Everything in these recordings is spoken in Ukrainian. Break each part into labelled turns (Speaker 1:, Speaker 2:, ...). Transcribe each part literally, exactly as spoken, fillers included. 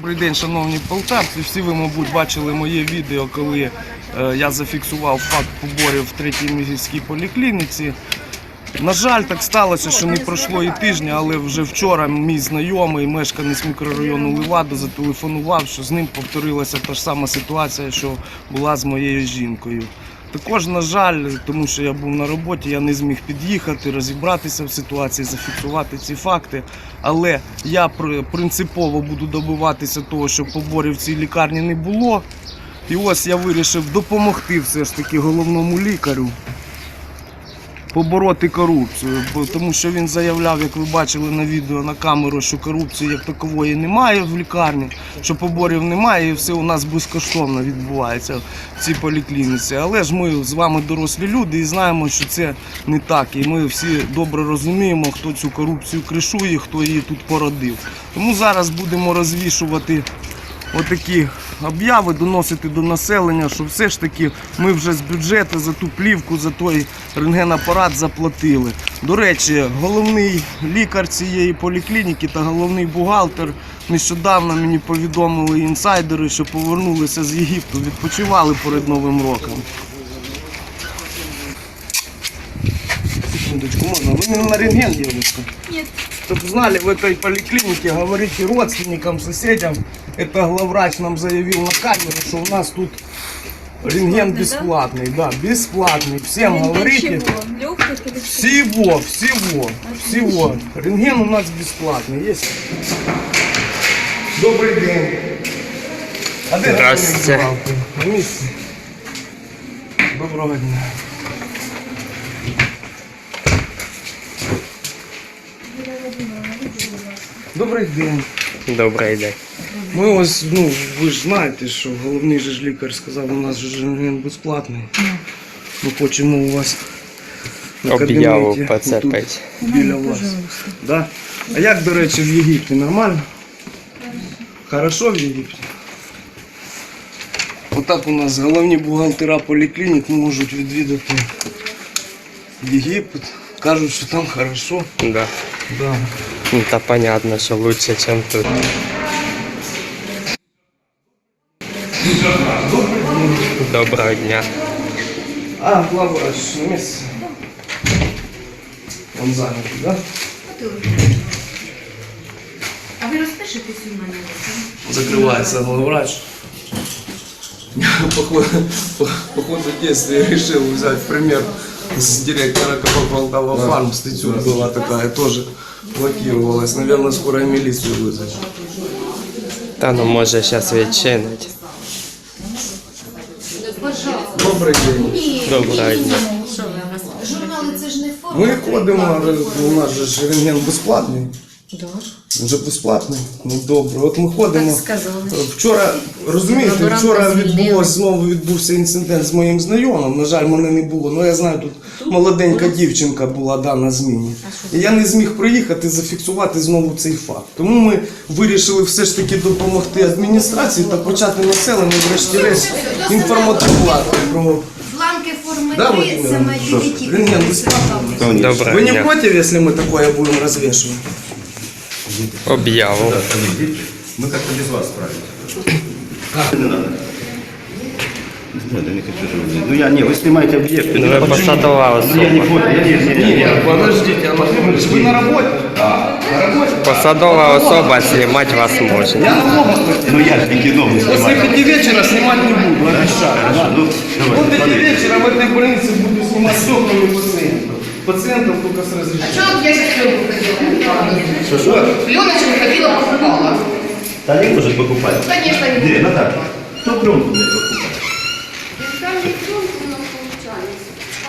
Speaker 1: Добрий день, шановні полтавці. Всі ви, мабуть, бачили моє відео, коли е, я зафіксував факт поборів в третій міській поліклініці. На жаль, так сталося, що не пройшло і тижня, але вже вчора мій знайомий, мешканець мікрорайону Левада, зателефонував, що з ним повторилася та ж сама ситуація, що була з моєю жінкою. Також, на жаль, тому що я був на роботі, я не зміг під'їхати, розібратися в ситуації, зафіксувати ці факти. Але я принципово буду добиватися того, щоб поборів в цій лікарні не було. І ось я вирішив допомогти все ж таки головному лікарю побороти корупцію, тому що він заявляв, як ви бачили на відео, на камеру, що корупції як такової немає в лікарні, що поборів немає і все у нас безкоштовно відбувається в цій поліклініці. Але ж ми з вами дорослі люди і знаємо, що це не так. І ми всі добре розуміємо, хто цю корупцію кришує, хто її тут породив. Тому зараз будемо розвішувати отакі об'яви, доносити до населення, що все ж таки ми вже з бюджету за ту плівку, за той рентгенапарат заплатили. До речі, головний лікар цієї поліклініки та головний бухгалтер нещодавно мені повідомили інсайдери, що повернулися з Єгипту, відпочивали перед Новим роком. Секундочку, можно? Вы не на рентген, девушка?
Speaker 2: Нет.
Speaker 1: Чтобы знали, в этой поликлинике говорите родственникам, соседям. Это главврач нам заявил на камеру, что у нас тут рентген бесплатный. Да, да бесплатный. Всем
Speaker 2: рентген
Speaker 1: говорите.
Speaker 2: Чего? Легких или
Speaker 1: всего, всего, всего. Рентген у нас бесплатный. Есть. Добрый день. А
Speaker 3: Здравствуйте.
Speaker 1: Доброго дня. Добрий день.
Speaker 3: Добрий день.
Speaker 1: Ми ось, ну, ви ж знаєте, що головний же ж лікар сказав, у нас же рентген безплатний. Ми хочемо у вас на
Speaker 3: Об'яву
Speaker 1: кабінеті,
Speaker 3: поцепити.
Speaker 1: тут, біля вас. Да? А як, до речі, в Єгипті? Нормально? Хорошо в Єгипті? Отак у нас головні бухгалтера поліклінік можуть відвідати Єгипет. Кажуть, що там хорошо.
Speaker 3: Да.
Speaker 1: Да.
Speaker 3: Ну, та понятно, що лучше, ніж тут. Доброго дня.
Speaker 1: А, главврач на месте. Он занятый, да?
Speaker 2: А ви розпишетесь у мене?
Speaker 1: Закрывается главврач. Походу, по, по ходу действия решил взять пример с директора КП Полтава Фарм. Статью была такая, тоже блокировалась. Наверное, скоро и милицию вызвать.
Speaker 3: Та ну може зараз відчинить.
Speaker 1: Добрий день.
Speaker 3: Доброго дня.
Speaker 2: Журнали це ж не форма.
Speaker 1: Ми ходимо, у нас же ж рентген безплатний.
Speaker 2: Да.
Speaker 1: Вже безплатний. Ну добре. От ми ходимо.
Speaker 2: Так сказали.
Speaker 1: Вчора, розумієте, вчора відбулось, знову відбувся інцидент з моїм знайомим. На жаль, мене не було. Ну я знаю, тут молоденька дівчинка була да, на зміні. І я не зміг приїхати зафіксувати знову цей факт. Тому ми вирішили все ж таки допомогти адміністрації та почати населення врешті-решт інформатувати про...
Speaker 2: Бланки форми
Speaker 1: Да,
Speaker 2: три,
Speaker 1: Владимир
Speaker 2: саме
Speaker 1: Ильич?
Speaker 2: дітей.
Speaker 1: Рентген бесплатный?
Speaker 3: Доброго
Speaker 1: Вы не
Speaker 3: дня.
Speaker 1: против, если мы такое будем развешивать?
Speaker 3: Об'яву.
Speaker 4: Мы как-то без вас справимся. Как? Не надо. Нет, я не хочу же. Ну я не, вы снимаете объект.
Speaker 3: Ну ви посадова
Speaker 4: Ну, я не
Speaker 3: особа.
Speaker 4: понял, я не, не, не, не.
Speaker 1: Подождите, Анатолий, вы на работе? Да. На работе?
Speaker 3: Посадова особа, знімати вас можна.
Speaker 1: Я на работе.
Speaker 4: Ну я же не кино не
Speaker 1: После
Speaker 4: снимаю.
Speaker 1: пяти вечера снимать не буду, обещаю.
Speaker 4: Хорошо, ну
Speaker 1: Вот
Speaker 4: давай,
Speaker 1: пяти
Speaker 4: смотри.
Speaker 1: вечера в этой больнице буду снимать все, кроме пациентов. Пациентов только с разрешением.
Speaker 5: Чего я сейчас пленку ходила?
Speaker 1: Что?
Speaker 5: Пленочку ходила, покупала.
Speaker 4: Да не может покупать.
Speaker 5: Конечно, не
Speaker 4: Где,
Speaker 5: буду.
Speaker 4: Наташа? Кто пленку мне покупает?
Speaker 5: Там не пленку у нас получались.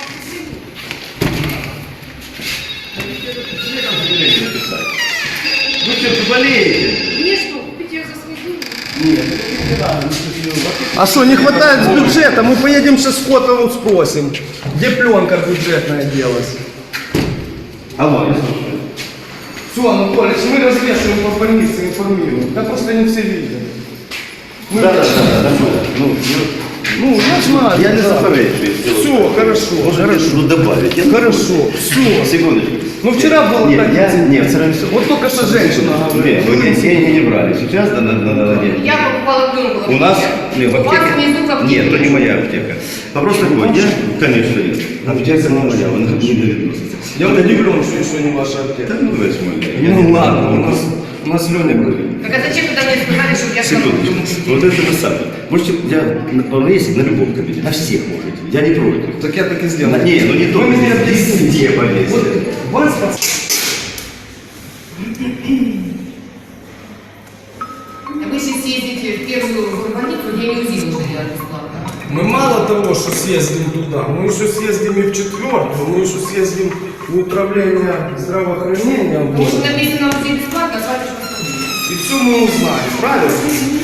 Speaker 4: Ну что, ты болеете?
Speaker 5: Мне что, купить ее за свои деньги?
Speaker 1: А что, не хватает с бюджета? Мы поедем сейчас с Котовым спросим, где пленка бюджетная делась.
Speaker 4: Алло, я слушаю.
Speaker 1: Все, Анатолий, мы развешиваем по больнице, информируем. Да просто не все видят. Мы-
Speaker 4: Да, да, да, да, да. Ну, ну,
Speaker 1: Ну, я знаю.
Speaker 4: я не
Speaker 1: да.
Speaker 4: заперечую.
Speaker 1: Все, хорошо,
Speaker 4: Может,
Speaker 1: хорошо.
Speaker 4: ну добавить. Я
Speaker 1: Хорошо, все.
Speaker 4: Секундочку.
Speaker 1: Ну вчера было
Speaker 4: Нет,
Speaker 1: так.
Speaker 4: я, нет, вчера не все.
Speaker 1: Вот только что женщина говорила.
Speaker 4: Нет, вы деньги не брали. Сейчас на, на, на, на, нет.
Speaker 5: Я покупала пленку.
Speaker 4: У нас не, в
Speaker 5: У вас
Speaker 4: аптеке.
Speaker 5: внизу в аптеке.
Speaker 4: Нет, это не моя аптека. Вопрос такой, я, конечно, нет. Аптека не моя, она ко мне не відноситься.
Speaker 1: Я удивлен, что еще не ваша аптека.
Speaker 4: Да ну возьму.
Speaker 1: Ну ладно, у нас, у нас Леня говорит.
Speaker 5: Так а зачем тогда мне сказали, чтобы я сама
Speaker 4: Секундочку. Вот это же самое. Можете, я на- повесить на любом кабинете, на всех можете. Я не против.
Speaker 1: Так я так и
Speaker 4: На,
Speaker 1: сделал.
Speaker 4: не, ну не
Speaker 1: Вы
Speaker 4: только
Speaker 1: меня
Speaker 4: здесь,
Speaker 1: объясните.
Speaker 4: везде повесить.
Speaker 1: Вот вас пос-
Speaker 5: Вы сейчас съездите в первую больницу, где не УЗИ нужно делать бесплатно.
Speaker 1: Мы мало того, что съездим туда, мы еще съездим и в четвертую, мы еще съездим в управление здравоохранения.
Speaker 5: Может,
Speaker 1: Вот.
Speaker 5: написано УЗИ бесплатно, а платишь по сто.
Speaker 1: И все мы узнаем, правильно?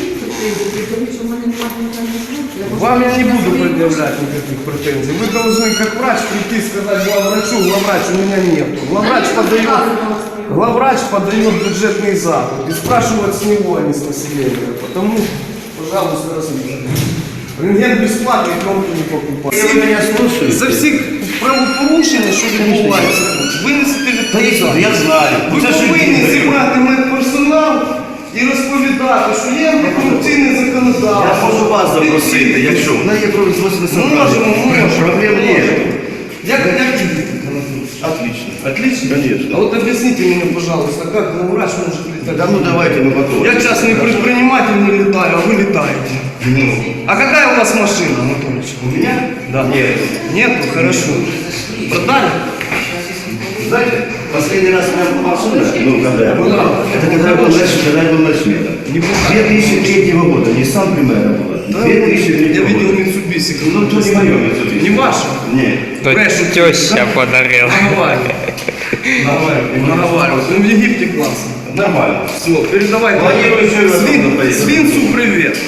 Speaker 1: Вам я не буду предъявлять никаких претензий. Вы должны как врач прийти и сказать главврачу, главврач у меня нету. Главврач подает, главврач подает бюджетный запад и спрашивать с него, а не с населения. Потому, пожалуйста, разрешите. Рентген бесплатний, кнопки не покупати.
Speaker 4: Ви мене слухаєте?
Speaker 1: За всі правопорушення, що відбуваються тут, винесете відповідальність.
Speaker 4: Я знаю.
Speaker 1: Ви
Speaker 4: Це ж
Speaker 1: повинні
Speaker 4: ви-
Speaker 1: зібрати медперсонал і розповідати, що є антикорупційне
Speaker 4: Я
Speaker 1: законодавство.
Speaker 4: можу вас запросити, якщо в неї производственне
Speaker 1: Можемо, можемо.
Speaker 4: Проблем нет.
Speaker 1: Як, як їздити?
Speaker 4: Отлично.
Speaker 1: Отлично?
Speaker 4: Конечно.
Speaker 1: А вот объясните мне, пожалуйста, как главврач может летать?
Speaker 4: Да ну давайте мы потом.
Speaker 1: Я частный предприниматель не летаю, а вы летаете.
Speaker 4: Ну,
Speaker 1: А какая у вас машина, Анатольевич?
Speaker 4: у меня?
Speaker 1: Да.
Speaker 4: Нет.
Speaker 1: Нету? Хорошо. Продали?
Speaker 4: Знаете, последний раз у меня была машина, ну, когда я был,
Speaker 1: Была.
Speaker 4: это когда я был на, когда я был на смене. две тысячи третьего года, Nissan Primera была.
Speaker 1: Да,
Speaker 4: две тысячи
Speaker 1: я
Speaker 4: третьего
Speaker 1: видел
Speaker 4: года.
Speaker 1: Mitsubishi.
Speaker 4: Ну, то не мое Mitsubishi.
Speaker 1: Не ваше?
Speaker 4: Нет.
Speaker 3: То
Speaker 1: Брешут.
Speaker 3: теща подарила.
Speaker 1: Наговаривай.
Speaker 4: Нормально.
Speaker 1: Наговаривай. Ну, в Египте классно.
Speaker 4: Нормально.
Speaker 1: Все, передавай.
Speaker 4: Планирую еще раз
Speaker 1: Свин-
Speaker 4: туда поехать.
Speaker 1: Свинцу привет.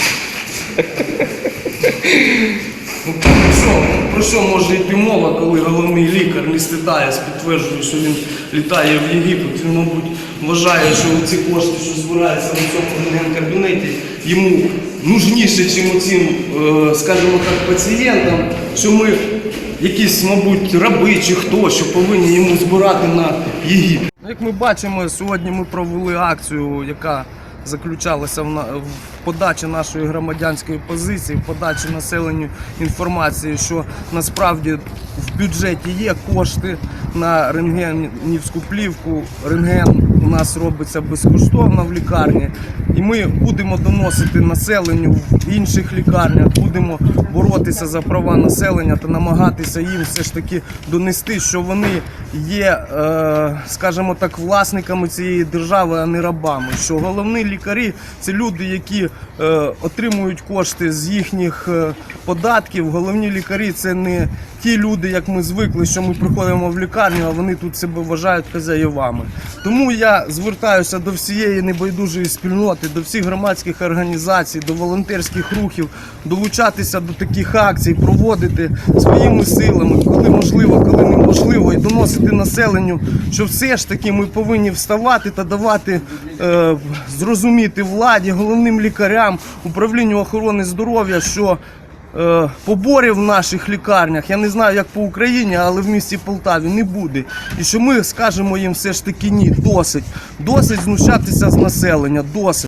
Speaker 1: Ну, про що, про що може йти мова, коли головний лікар не стидається, підтверджує, що він літає в Єгипет. Він, мабуть, вважає, що ці кошти, що збираються в цьому кабінеті, йому нужніше, ніж цим, е, скажімо так, пацієнтам, що ми якісь, мабуть, раби чи хто, що повинні йому збирати на Єгипет. Як ми бачимо, сьогодні ми провели акцію, яка заключалася в, на, в подачі нашої громадянської позиції, в подачі населенню інформації, що насправді в бюджеті є кошти на рентгенівську плівку. Рентген у нас робиться безкоштовно в лікарні. І ми будемо доносити населенню в інших лікарнях, будемо боротися за права населення та намагатися їм все ж таки донести, що вони є, е, скажімо так, власниками цієї держави, а не рабами. Що головні лікарі – це люди, які е, отримують кошти з їхніх е, податків. Головні лікарі – це не ті люди, як ми звикли, що ми приходимо в лікарню, а вони тут себе вважають хазяєвами. Тому я звертаюся до всієї небайдужої спільноти, до всіх громадських організацій, до волонтерських рухів, долучатися до таких акцій, проводити своїми силами, коли можливо, коли неможливо, і доносити населенню, що все ж таки ми повинні вставати та давати е, зрозуміти владі, головним лікарям, управлінню охорони здоров'я, що Е, поборів в наших лікарнях, я не знаю, як по Україні, але в місті Полтаві не буде. І що ми скажемо їм все ж таки ні, досить. Досить знущатися з населення, досить.